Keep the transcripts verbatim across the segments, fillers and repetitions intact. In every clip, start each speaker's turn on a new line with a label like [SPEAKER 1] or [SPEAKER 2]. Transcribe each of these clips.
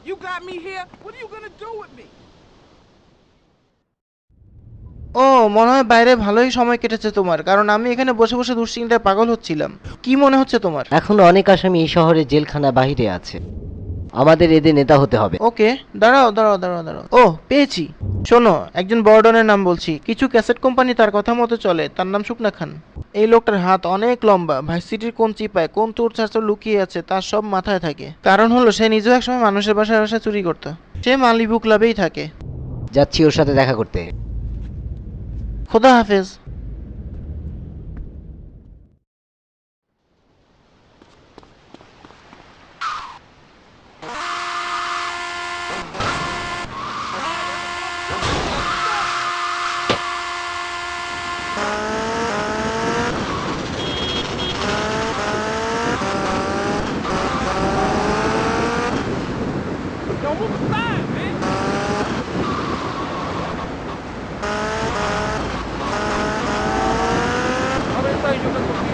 [SPEAKER 1] You got me here. What are you gonna do with me?
[SPEAKER 2] ও মনে হয় বাইরে ভালোই সময় কেটেছে তোমার, কারণ আমি এখানে বসে বসে দুশ্চিন্তায় পাগল হচ্ছিলাম। কি মনে হচ্ছে তোমার?
[SPEAKER 3] এখনো অনেক আসামি এই শহরে জেলখানা বাহিরে আছে। আমাদের এদের নেতা হতে হবে।
[SPEAKER 2] ওকে, দাঁড়াও দাঁড়াও দাঁড়াও দাঁড়াও ও পেয়েছি। শোনো, একজন বর্ডনের নাম বলছি। কিছু ক্যাসেট কোম্পানি তার কথা মতো চলে। তার নাম শুকনা খান। এই লোকটার হাত অনেক লম্বা। ভার্সিটির কোন চিপায় কোন চোর চারচোর লুকিয়ে আছে তার সব মাথায় থাকে। কারণ হলো সে নিজেও একসময় মানুষের বাসায় বাসায় চুরি করত। সে মালিবু ক্লাবেই থাকে।
[SPEAKER 3] যাচ্ছি ওর সাথে দেখা করতে।
[SPEAKER 2] খোদা হাফেজ।
[SPEAKER 1] Yo, move aside, man. Ahora está yo me cogí.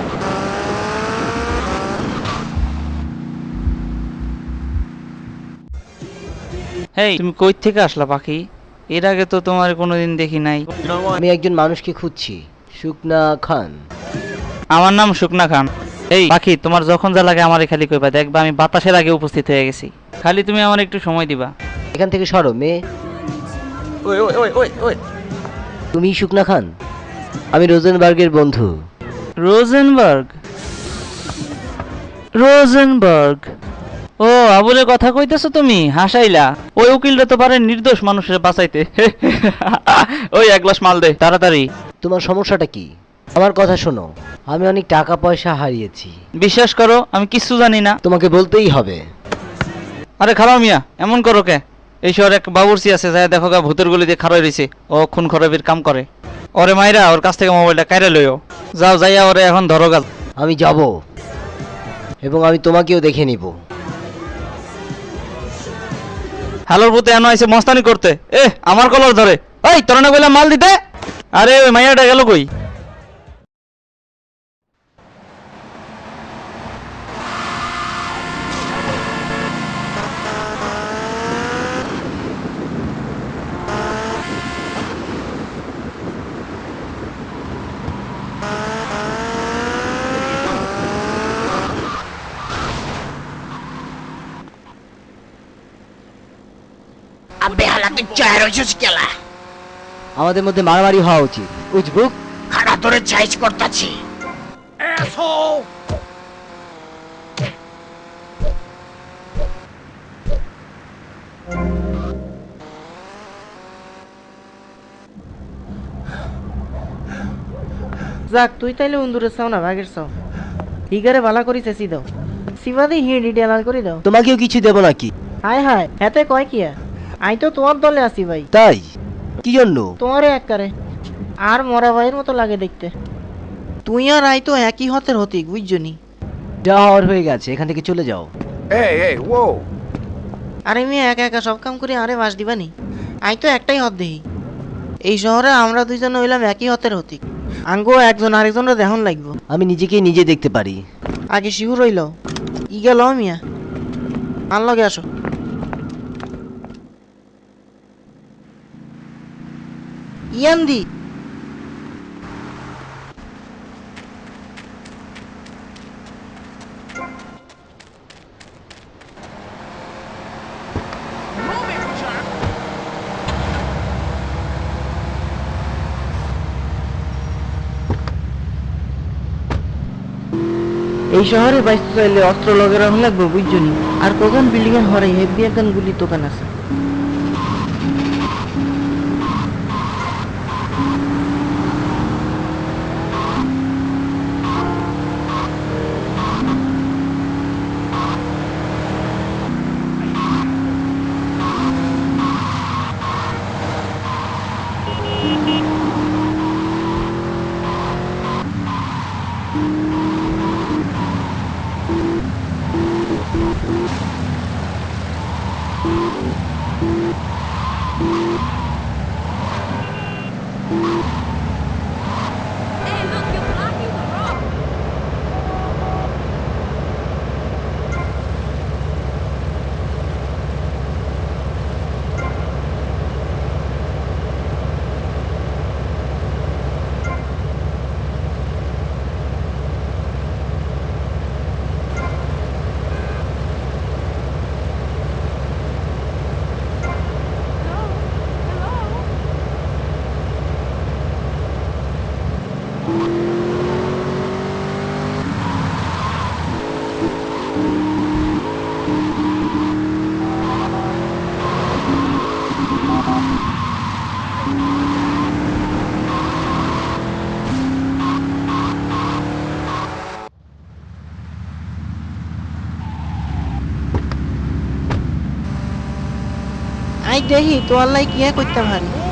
[SPEAKER 4] হেই, তুমি কই থেকে আসলা পাখি? এর আগে তো তোমার কোনোদিন দেখি নাই।
[SPEAKER 3] আমি একজন মানুষকে খুঁজছি, শুকনা খান।
[SPEAKER 4] আমার নাম শুকনা খান। এই পাখি, তোমার যখন যা লাগে আমারে খালি কইবা, দেখবা আমি বাতাসের আগে উপস্থিত হয়ে গেছি। খালি তুমি আমার একটু সময় দিবা।
[SPEAKER 3] এখান থেকে সরো মেয়ে।
[SPEAKER 4] ওই ওই ওই ওই ওই
[SPEAKER 3] তুমি শুকনা খান? আমি রোজেনবার্গের বন্ধু।
[SPEAKER 4] রোজেনবার্গ? রোজেনবার্গ? ও, আবুলের কথা কইতেছো তুমি? হাসাইলা। ওই উকিলটা তো পারে নির্দোষ মানুষের বাঁচাইতে। ওই এক গ্লাস মাল দে তাড়াতাড়ি।
[SPEAKER 3] তোমার সমস্যাটা কি? আমার কথা শোনো, আমি অনেক টাকা পয়সা হারিয়েছি।
[SPEAKER 4] বিশ্বাস করো, আমি কিচ্ছু জানি না।
[SPEAKER 3] তোমাকে বলতেই হবে।
[SPEAKER 4] আরে খারাপ মিয়া, এমন করো কে? এই শহরে এক বাবুর্চি আছে, যায় দেখো গা, ভূতের গলি দিয়ে খারাই রয়েছে। ও খুন খরাবির কাম করে। ওরে মাইরা ওর কাছ থেকে মোবাইলটা কাইরা লইও। যাও, যাইয়া ওরে এখন ধরো গা।
[SPEAKER 3] আমি যাব এবং আমি তোমাকেও দেখে নিব।
[SPEAKER 4] হ্যালোর ভূতে এনো আইছে মস্তানি করতে। এ আমার কলার ধরে। এই তোর না কইলাম মাল দিতে। আরে ওই মাইয়াটা গেল কই?
[SPEAKER 5] আবে হালা তুই চায় রইছিস কেলা?
[SPEAKER 3] আমাদের মধ্যে মারামারি হওয়া উচিত, উজবুক।
[SPEAKER 5] খাড়া ধরে চাইজ করতাছি। Asshole!
[SPEAKER 2] যাক, তুই তাইলে উন্দুরের চাও না বাঘের চাও। হিগারে ভালা করি চেঁচি দাও। সিবাদি হিড়ি ডেলাল করে দাও।
[SPEAKER 3] তোমাকেও কিছু দেব নাকি?
[SPEAKER 2] হায় হায়, হেতে কয় কিয়া? আই তো তোমার দলে আছি ভাই।
[SPEAKER 3] তাই? কি জন্য?
[SPEAKER 2] তোমারে এককারে আর মরা ভাইয়ের মতো লাগে দেখতে। তুই আর আই তো একই হতের হতিক, বুঝছনি?
[SPEAKER 3] যা হওয়ার হয়ে গেছে, এখান থেকে চলে যাও।
[SPEAKER 1] Hey, hey, whoa.
[SPEAKER 2] আরে মেয়ে একা একা সব কাম করে আরে বাস দিবানি? আই তো একটাই হত দেহি। এই শহরে আমরা দুইজন হইলাম একই হতের হতিক। আঙ্গো একজন আরেকজনের দেহন লাগবো।
[SPEAKER 3] আমি নিজেকে নিজে দেখতে পারি।
[SPEAKER 2] আগে শিহুর রইল। ই গেল মিয়া, আর লগে আসো। ইয়ান্দি
[SPEAKER 1] Move it, jerk.
[SPEAKER 2] এই শহরে বাইসতে চাইলে অস্ত্র লগে রাখা লাগবে, বুঝছনি? আর কখন বিল্ডিং এর হরে হেভি একখান গুলির দোকান আছে। দেহি তো আল্লাহ কিয়া করতে পারি